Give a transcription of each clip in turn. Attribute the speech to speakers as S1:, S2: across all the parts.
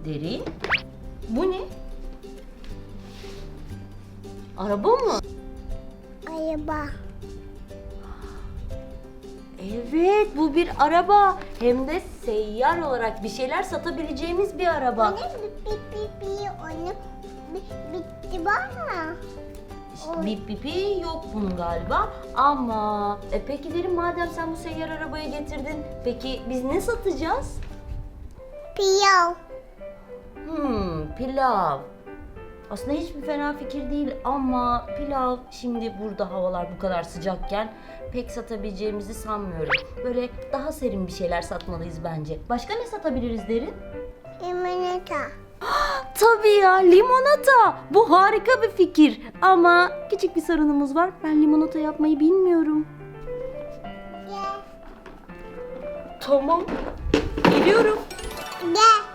S1: Derin. Bu ne? Araba mı?
S2: Araba.
S1: Evet, bu bir araba. Hem de seyyar olarak bir şeyler satabileceğimiz bir araba.
S2: Anne onu bitti bana.
S1: Bip bipi yok bunun galiba. Ama peki Derin, madem sen bu seyyar arabayı getirdin, peki biz ne satacağız?
S2: Piyav.
S1: Pilav. Aslında hiçbir fena fikir değil ama pilav şimdi burada havalar bu kadar sıcakken pek satabileceğimizi sanmıyorum. Böyle daha serin bir şeyler satmalıyız bence. Başka ne satabiliriz Derin?
S2: Limonata.
S1: Tabii ya, limonata. Bu harika bir fikir. Ama küçük bir sorunumuz var. Ben limonata yapmayı bilmiyorum.
S2: Gel.
S1: Tamam. Geliyorum.
S2: Gel.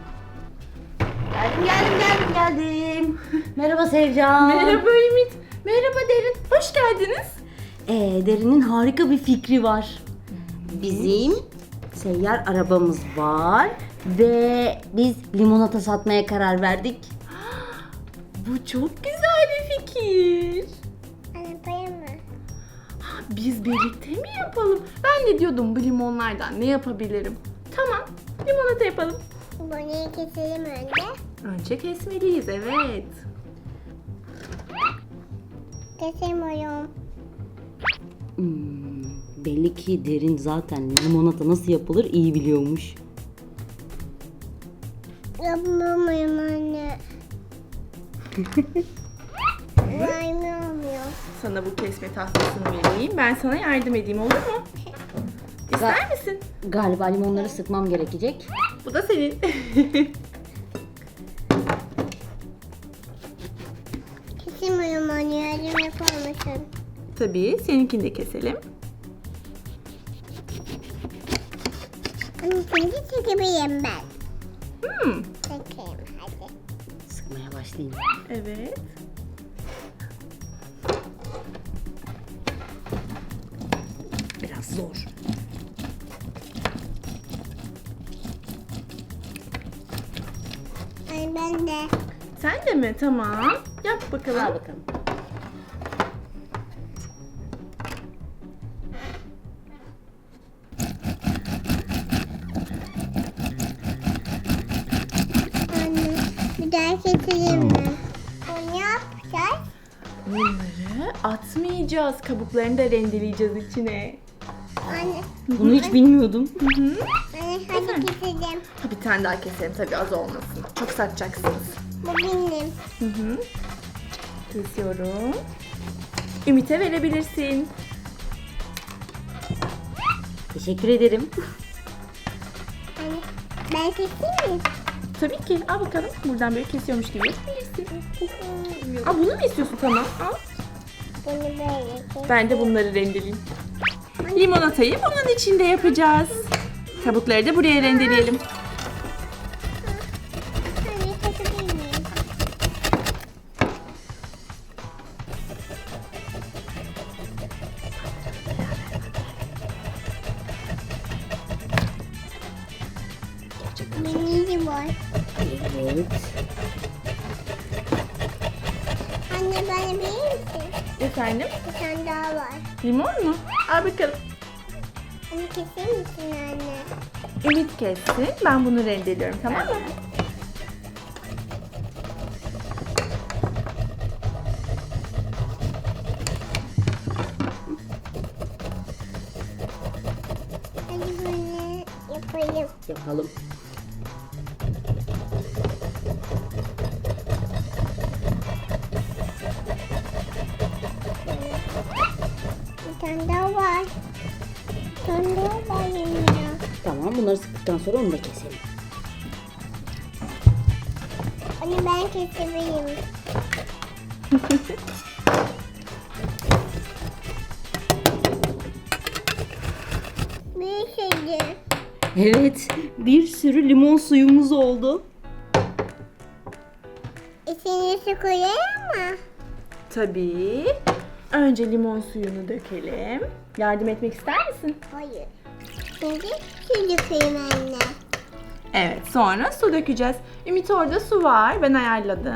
S1: Geldim. Merhaba Sevcan.
S3: Merhaba Ümit. Merhaba Derin. Hoş geldiniz.
S1: Derin'in harika bir fikri var. Bizim seyyar arabamız var ve biz limonata satmaya karar verdik.
S3: Bu çok güzel bir fikir.
S2: Arabaya mı?
S3: Biz birlikte mi yapalım? Ben de diyordum bu limonlardan ne yapabilirim? Tamam, limonata yapalım.
S2: Bunu keselim önce.
S3: Önce kesmeliyiz, evet.
S2: Kesemiyorum.
S1: Belli ki Derin zaten limonata nasıl yapılır iyi biliyormuş.
S2: Yapamıyorum anne. Vermiyorum.
S3: Sana bu kesme tahtasını vereyim. Ben sana yardım edeyim, olur mu? İster misin?
S1: Galiba limonları sıkmam gerekecek.
S3: Bu da senin.
S2: Kesemiyorum anne. Yardım yapar mısın?
S3: Tabii, seninkini de keselim.
S2: Anne şimdi çekebilirim ben.
S3: Hmm,
S2: Çekeyim hadi.
S1: Sıkmaya başlayayım.
S3: evet.
S1: Biraz zor.
S2: Anne ben de.
S3: Sen de mi? Tamam. Yap bakalım.
S1: Al bakalım.
S2: Anne bir daha keselim mi? Onu yapacağız.
S3: Bunları atmayacağız. Kabuklarını da rendeleyeceğiz içine.
S2: Anne,
S1: Bunu hiç bilmiyordum.
S2: anne hadi keselim.
S3: Ha, bir tane daha keselim tabii, az olmasın. Çok satacaksınız.
S2: Bu benim.
S3: Kesiyorum. Ümit'e verebilirsin.
S1: Teşekkür ederim.
S2: Anne ben keseyim mi?
S3: Tabii ki. Al bakalım. Buradan böyle kesiyormuş gibi yapabilirsin. Aa, bunu mu istiyorsun? Tamam. Al.
S2: Bunu böyle kes.
S3: Ben de bunları rendeleyeyim. Limonatayı bunun içinde yapacağız. Kabukları da buraya rendeleyelim.
S2: Anne kesebilir miyim? Benim var.
S1: Evet.
S2: Anne bana verir misin?
S3: Efendim?
S2: Bir tane daha var.
S3: Limon mu? Al bakalım.
S2: Anne keser misin anne?
S3: Ümit kessin. Ben bunu rendeliyorum, tamam mı?
S2: Hadi bunu yapayım.
S1: Yapalım.
S2: Bir tane daha var. Bir tane daha var yanında.
S1: Tamam, bunları sıktıktan sonra onu da keselim.
S2: Anne ben kesebilirim. Bir şeydi.
S1: Evet, bir sürü limon suyumuz oldu.
S2: İçine su koyayım mı?
S3: Tabii. Önce limon suyunu dökelim. Yardım etmek ister misin?
S2: Hayır. Şimdi su dökeyim anne.
S3: Evet, sonra su dökeceğiz. Ümit orada su var. Ben ayarladım.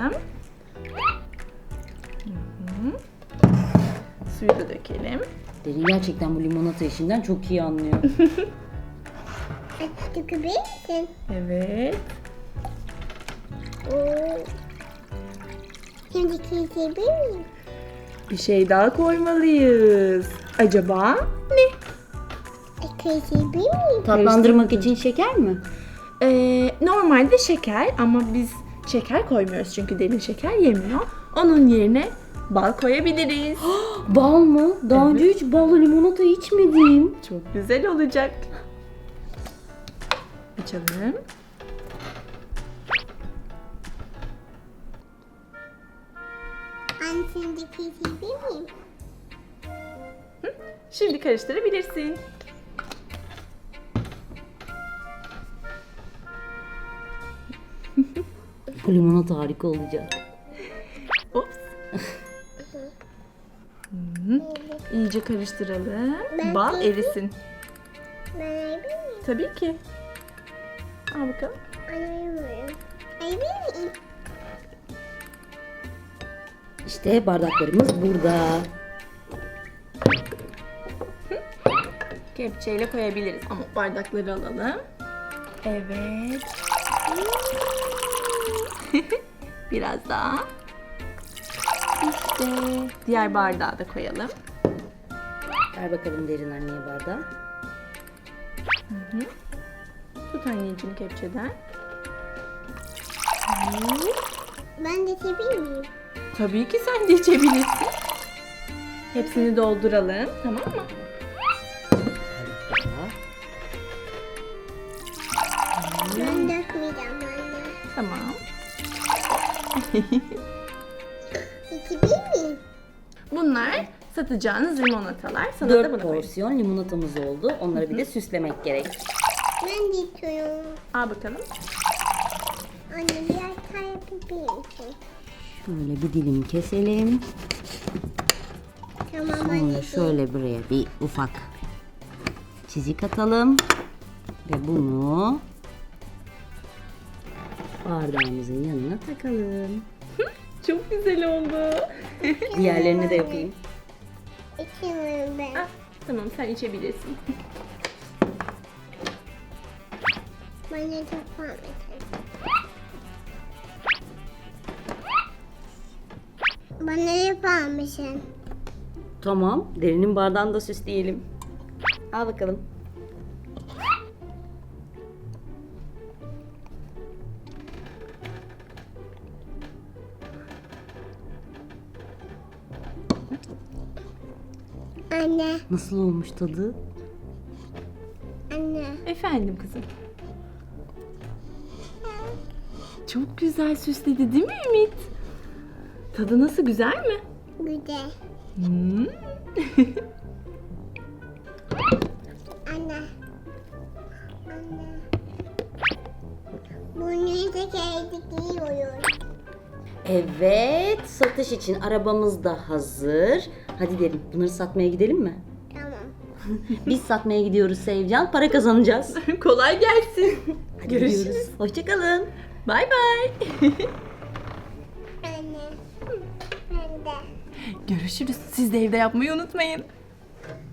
S3: Hı-hı. Suyu da dökelim.
S1: Derin gerçekten bu limonata işinden çok iyi anlıyor.
S2: Dökebilir misin?
S3: Evet.
S2: Oo. Şimdi kesebilir miyim?
S3: Bir şey daha koymalıyız. Acaba ne?
S2: Kesebilir miyim?
S1: Tatlandırmak için şeker mi?
S3: Normalde şeker ama biz şeker koymuyoruz çünkü Derin şeker yemiyor. Onun yerine bal koyabiliriz.
S1: Bal mı? Daha önce hiç ballı limonata içmedim.
S3: Çok güzel olacak. Açalım.
S2: Anne şimdi kesebilir miyim?
S3: Şimdi karıştırabilirsin.
S1: Bu limonata harika olacak.
S3: Ops. Hı. İyice karıştıralım.
S2: Ben
S3: Bal
S2: kesin-
S3: erisin.
S2: Ben ayabilir miyim?
S3: Tabii ki. Al bakalım.
S2: Ayamıyorum. Ayabilir miyim?
S1: İşte bardaklarımız burada.
S3: Kepçeyle koyabiliriz ama bardakları alalım. Evet. Biraz daha. İşte diğer bardağı da koyalım.
S1: Ver bakalım Derin anneye bardağı.
S3: Tut anneciğim kepçeden.
S2: Ben de içebilir miyim?
S3: Tabii ki sen de içebilirsin. Hepsini dolduralım, tamam mı?
S2: Ben dökmeyeceğim anne.
S3: Tamam.
S2: İçebilir miyim?
S3: Bunlar satacağınız limonatalar. Sana da
S1: 4
S3: bunu koyayım.
S1: porsiyon limonatamız oldu. Onları bir de süslemek gerek.
S2: Ben de içiyorum.
S3: Al bakalım.
S2: Anne biraz daha yapabilir misin?
S1: Şöyle bir dilim keselim.
S2: Tamam
S1: Sonra
S2: anneciğim.
S1: şöyle buraya bir ufak çizik atalım. Ve bunu bardağımızın yanına takalım.
S3: Çok güzel oldu.
S1: Diğerlerini de yapayım.
S2: İçemiyorum ben.
S3: Ah, tamam sen içebilirsin.
S2: Bana çok var mesela. Bana yapar mısın?
S1: Tamam. Derinin bardağını da süsleyelim. Al bakalım.
S2: Anne,
S1: Nasıl olmuş tadı?
S2: anne.
S3: Efendim kızım. Çok güzel süsledi değil mi Ümit? Tadı nasıl, güzel mi?
S2: Güzel.
S3: Hmm.
S2: Anne. Anne. Bunu da kendi yiyorum.
S1: Evet. Satış için arabamız da hazır. Hadi Derin, bunları satmaya gidelim mi?
S2: Tamam.
S1: Biz satmaya gidiyoruz Sevcan. Para kazanacağız.
S3: Kolay gelsin.
S1: Hadi
S3: Görüşürüz.
S1: gidiyoruz. Hoşçakalın.
S3: Bay bay.
S2: Anne. Ben de.
S3: Görüşürüz. Siz de evde yapmayı unutmayın.